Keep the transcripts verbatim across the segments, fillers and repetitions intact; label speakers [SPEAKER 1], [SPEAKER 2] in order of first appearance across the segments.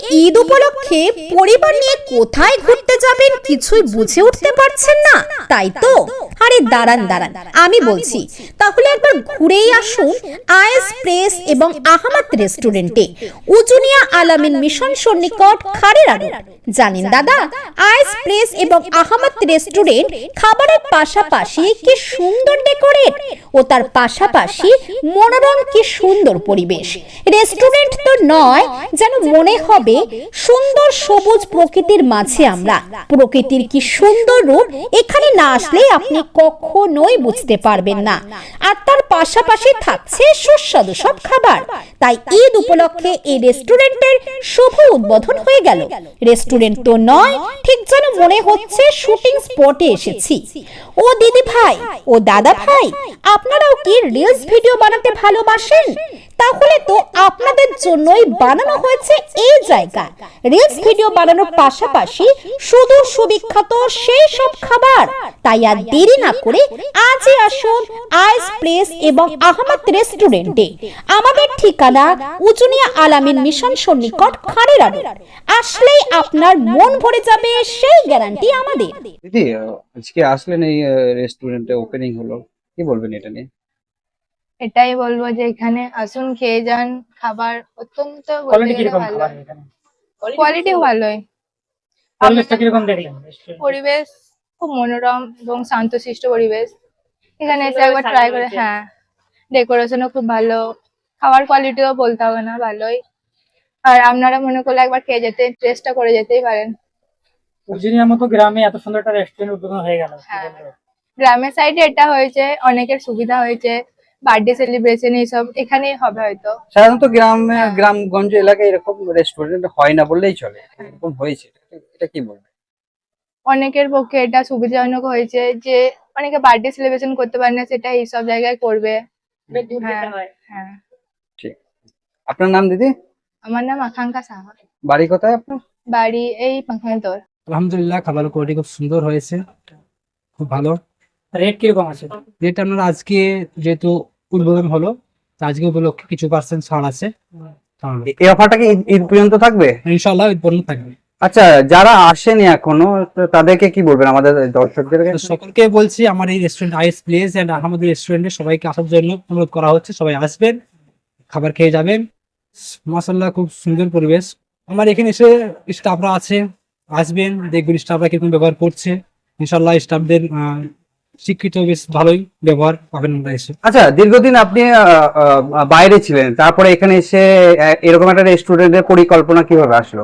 [SPEAKER 1] ঈদ উপলক্ষে পরিবার নিয়ে কোথায় ঘুরতে যাবেন কিছুই বুঝে উঠতে পারছেন না, তাই তো? আরে দাঁড়ান দাঁড়ান আমি বলছি, তাহলে একবার ঘুরেই আসুন আয়েস প্রেস এবং আহমদ রেস্টুরেন্টে, উজুনিয়া আলামিন মিশন সন্নিকট খাড়ের আড়ু। জানেন দাদা, আয়েস প্রেস এবং আহমদ রেস্টুরেন্ট খাবারের পাশাপাশি কি সুন্দর ডেকোরেট, ও তার পাশাপাশি মনোরম কি সুন্দর পরিবেশ। রেস্টুরেন্ট তো নয়, যেন মনে হবে সুন্দর সবুজ প্রকৃতির মাঝে আমরা। প্রকৃতির কি সুন্দর রূপ এখানে না আসলে আপনি কখনোই বুঝতে পারবেন না। আর তার পাশাপাশি থাকছে সুস্বাদু সব খাবার। তাই ঈদ উপলক্ষে এই রেস্টুরেন্টের শুভ উদ্বোধন হয়ে গেল। রেস্টুরেন্ট তো নয়, ঠিক যেন মনে হচ্ছে শুটিং স্পটে এসেছি। ও দিদি ভাই, ও দাদা ভাই, আপনারাও কি রিলস ভিডিও বানাতে ভালোবাসেন? তাহলে তো আপনাদের জন্যই বানানো হয়েছে এই জায়গা। রিলস ভিডিও বানানোর পাশাপাশি শুধু সুবিখ্যাত সেই সব খাবার। তাই আর দেরি না করে আজই আসুন আয়েস প্লেস এবং আহমদ রেস্টুরেন্টে। আমাদের ঠিকানা উজুনিয়া আলামিন মিশন সন্নিকট খাড়ের আড়ু। আসলেই আপনার মন ভরে যাবে, সেই গ্যারান্টি আমাদের।
[SPEAKER 2] দিদি, আজকে আসলেন এই রেস্টুরেন্টে, ওপেনিং হলো, কি বলবেন এটা নিয়ে?
[SPEAKER 3] এটাই বলবো যে এখানে আসুন, খেয়ে যান। খাবার অত্যন্ত বলতে
[SPEAKER 4] কোয়ালিটি
[SPEAKER 3] গেলে
[SPEAKER 4] কিরকম
[SPEAKER 3] ভালো,
[SPEAKER 4] খাবার এখানে?
[SPEAKER 3] কোয়ালিটি ভালোই।
[SPEAKER 4] পরিবেশটা কিরকম দেখলেন?
[SPEAKER 3] পরিবেশ খুব মনোরম এবং শান্তশিষ্ট পরিবেশ। এখানে এসে একবার ট্রাই করে, হ্যাঁ, ডেকোরেশনও খুব ভালো, খাবার কোয়ালিটিও বলতে হবে না, ভালোই। আর আপনারা মনে করলে একবার খেয়ে যেতে, টেস্টটা করে যেতেই পারেন।
[SPEAKER 4] উজুনিয়ার মতো গ্রামে এত সুন্দর একটা রেস্টুরেন্ট উদ্বোধন হয়ে গেল।
[SPEAKER 3] হ্যাঁ, গ্রামের সাইডে এটা হয়েছে, অনেকের সুবিধা হয়েছে। বার্থডে সেলিব্রেশন এইসব এখানেই হবে হয়তো।
[SPEAKER 2] সাধারণত গ্রামে,
[SPEAKER 3] হ্যাঁ।
[SPEAKER 2] গ্রামগঞ্জ এলাকায় এরকম রেস্টুরেন্ট হয় না বললেই চলে, এরকম হয়েছে, এটা কি বলবেন?
[SPEAKER 3] অনেকের পক্ষে এটা সুবিধাজনক হয়েছে যে অনেকে বার্থডে সেলিব্রেশন করতে পারে না, সেটা এইসব জায়গায় করবে। হ্যাঁ, হ্যাঁ।
[SPEAKER 2] ঠিক। আপনার নাম দিদি?
[SPEAKER 3] আমার নাম আকাঙ্ক্ষা সাহা।
[SPEAKER 2] বাড়ি কোথায় আপনার?
[SPEAKER 3] বাড়ি এই পাখানতর।
[SPEAKER 5] আলহামদুলিল্লাহ, খাবার কোয়ালিটি খুব সুন্দর হয়েছে, খুব ভালো।
[SPEAKER 4] রেট কিরকম আছে?
[SPEAKER 5] যেটা আপনার আজকে যেহেতু উদ্বোধন হলো, তো আজকে উপলক্ষে কিছু পার্সেন্ট ছাড় আছে।
[SPEAKER 2] এই অফারটা কি ঈদ- ঈদ পর্যন্ত থাকবে?
[SPEAKER 5] ইনশাআল্লাহ উদ্বোধন থাকবে।
[SPEAKER 2] আচ্ছা, যারা আসেনি এখনো তো তাদেরকে কি বলবেন, আমাদের দর্শকদের?
[SPEAKER 5] তো সকলকে বলছি, আমার এই restaurant ice place and Ahmad রেস্টুরেন্টে সবাইকে আসার জন্য অনুরোধ করা হচ্ছে। সবাই আসবেন, খাবার খেয়ে যাবেন। মাশাআল্লাহ, খুব সুন্দর পরিবেশ। আমার এখানে এসে স্টাফরা আছে, আসবেন, দেখবেন স্টাফরা কিরকম ব্যবহার করছে। ইনশাআল্লাহ স্টাফদের আহ, শিক্ষিত, বেশ ভালোই ব্যবহার পাবেন আমরা এসে।
[SPEAKER 2] আচ্ছা, দীর্ঘদিন আপনি আহ, আহ, বাইরে ছিলেন, তারপরে এখানে এসে আহ, এরকম একটা রেস্টুরেন্টের পরিকল্পনা কিভাবে আসলো?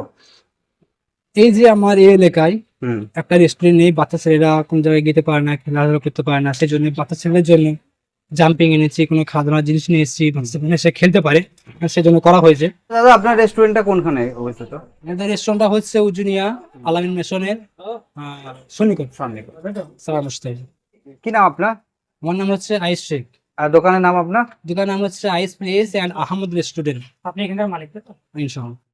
[SPEAKER 5] এই যে আমার এই এলাকায়
[SPEAKER 2] হুম।
[SPEAKER 5] একটা রেস্টুরেন্ট নেই, বাচ্চা ছেলেরা কোন জায়গায় যেতে পারে না, খেলাধুলা করতে পারে না, সেই জন্য বাচ্চা ছেলেদের জন্য জাম্পিং এনেছি, কোনো খাওয়া জিনিস নিয়ে এসেছি, বাচ্চা ছেলেরা সে খেলতে পারে, সেজন্য করা হয়েছে।
[SPEAKER 2] দাদা, আপনার রেস্টুরেন্টটা কোনখানে অবস্থিত?
[SPEAKER 5] আমাদের রেস্টুরেন্টটা হচ্ছে উজুনিয়া আলামিন মিশনের সন্নিকট সারা মুস্তাহিদ।
[SPEAKER 2] কি নাম আপনার?
[SPEAKER 5] আমার নাম হচ্ছে আইস শেখ,
[SPEAKER 2] আর দোকানের নাম আপনার?
[SPEAKER 5] দোকানের নাম হচ্ছে ice place and Ahmad restaurant.
[SPEAKER 4] আপনি এখানকার মালিক তো?
[SPEAKER 5] ইনশাআল্লাহ।